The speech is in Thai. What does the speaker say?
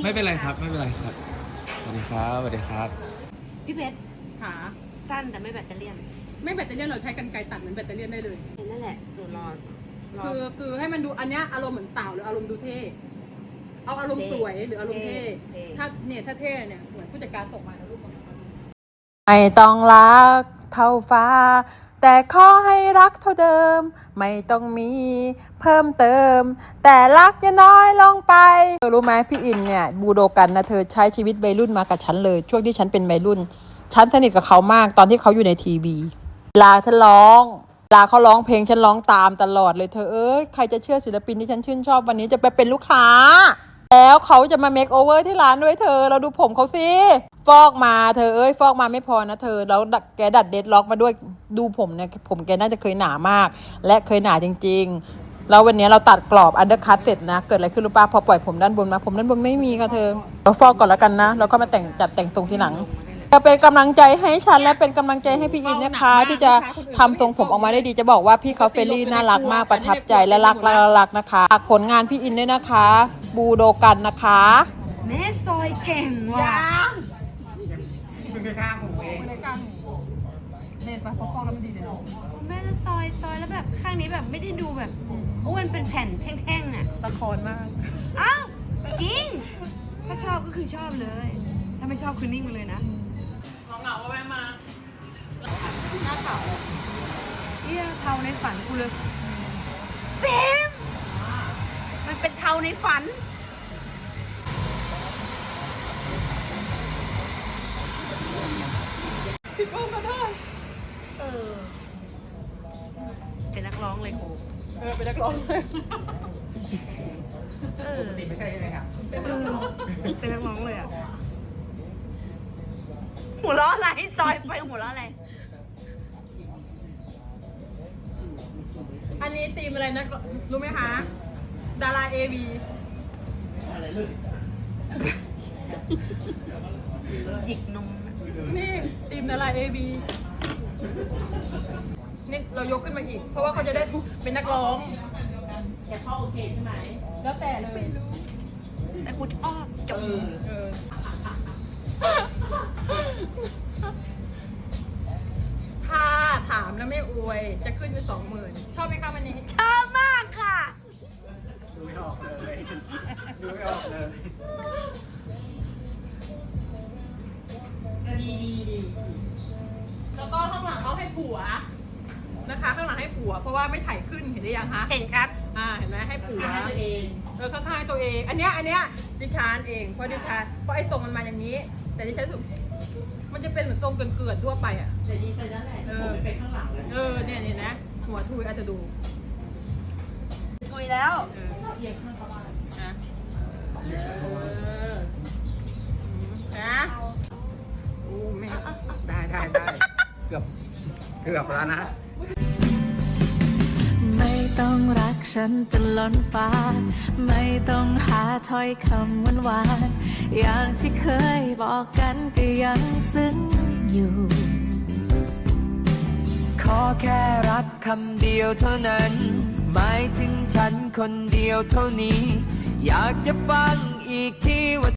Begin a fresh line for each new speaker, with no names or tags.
ไม่เป็นไรครับไม่เป็นไรครับสวัสดีครับสวัสดีครับ
พี่เพชร
หา
สั้นแต่ไม่แบตเตอรี่
ไม่แบตเตอรี่เราใช้กันไกรตัดเหมือนแบตเตอรี่ได้เลย
นั่นแหละตัวรอ
คือให้มันดูอันเนี้ยอารมณ์เหมือนเต่าหรืออารมณ์ดูเท่เอาอารมณ์สวยหรืออารมณ์เท่ถ้าเท่เนี่ยเหมือนผู้จัดการตกมาแล้วรูปของเขา
ไม่ต้องรักเท่าฟ้าแต่ขอให้รักเท่าเดิมไม่ต้องมีเพิ่มเติมแต่รักจะน้อยลงไปเธอรู้ไหมพี่อินเนี่ยบูโดกันนะเธอใช้ชีวิตวัยรุ่นมากับฉันเลยช่วงที่ฉันเป็นวัยรุ่นฉันสนิทกับเขามากตอนที่เขาอยู่ในทีวีเวลาฉันร้องเวลาเขาร้องเพลงฉันร้องตามตลอดเลยเธอใครจะเชื่อศิลปินที่ฉันชื่นชอบวันนี้จะไปเป็นลูกค้าแล้วเขาจะมาเมคโอเวอร์ที่ร้านด้วยเธอเราดูผมเขาสิฟอกมาเธอฟอกมาไม่พอนะเธอแล้วแกดัดเดดล็อกมาด้วยดูผมเนี่ยผมแกน่าจะเคยหนามากและเคยหนาจริงๆแล้ววันนี้เราตัดกรอบอันเดอร์คัตเสร็จนะเกิดอะไรขึ้นรู้ป่ะพอปล่อยผมด้านบนมาผมด้านบนไม่มีค่ะเธอเราฟอกก่อนแล้วกันนะแล้วก็มาจัดแต่งทรงทีหลังจะเป็นกำลังใจให้ฉันและเป็นกำลังใจให้พี่อินนะคะที่จะทำทรงผมออกมาได้ดีจะบอกว่าพี่เขาเฟรนลี่น่ารักมากประทับใจและรักนะคะฝากผลงานพี่อินด้วยนะคะบูโดกันนะคะ
แม่ซอยเก่งว่ะ
มึงไปข้างหูเอง
ในการเน็ตไปฟอกแล้วไม่ดีเลย
แม่ซอยแล้วแบบข้างนี้แบบไม่ได้ดูแบบอ้วนเป็นแผ่นแท่งๆอ่ะ
ละครมาก
อ้าวจริงถ้าชอบก็คือชอบเลยถ้าไม่ชอบคือนิ่งไปเลยนะ
เหงาแวะมาหน้าเต่า
เทาในฝันกูเลยเบมมันเป็นเทาในฝัน
พี่ก้องก็ได้
เป็นนักร้องเลยกู
เป็นนักร้องเลย
ปกติไม่ใช่ใช่ไหมครับ
เป็นนักร้องเลยอ่ะหัวเราะอะไรซอยไปหัวเราะอะไร
อันนี้ตีมอะไรนะรู้ไหมคะดาราเอวี
หยิกนม
นี่ตีมดาราเอวีนี่เรายกขึ้นมาอีกเพราะว่าเขาจะได้เป็นนักร้อง
แกชอบโอเคใช่ไหม
แล้วแต่เลย
แต่กูชอบจบ
ถ้าถามแล้วไม่อวยจะขึ้นไป20,000ชอบไหมคะวันนี้
ชอบมากค่ะ
ดูไม่ออกเลยดูไม่ออกเลย
ดีแล้วก็ข้างหลังเอาให้ผัวนะคะข้างหลังให้ผัวเพราะว่าไม่ถ่ายขึ้นเห็นหรือยังคะ
เห็นครับ
เห็นไหมให้ผัวข้างๆตัวเองอันเนี้ยดิฉันเองเพราะไอ้ทรงมันมาอย่างนี้แต่ดิฉันสุดมันจะเป็นเหมือนทรงเกลื่อนทั่วไปอ่ะ
แต่ดีใจนั่นแหละผมไม่เป็นข้างหลังเลย
เนี่ยนะหัวทุยอาจจะดู
ทุยแล้ว
เอียงข้างเข้าบ้านนะ
โอ้แม่ได้เกือบแล้วนะ
ไม่ต้องรักฉันจนล้นฟ้าไม่ต้องหาถ้อยคำหวานๆอย่างที่เคยบอกกันก็ยังซึ้งอยู่
ขอแค่รักคำเดียวเท่านั้นหมายถึงฉันคนเดียวเท่านี้อยากจะฟังอีกทีว่า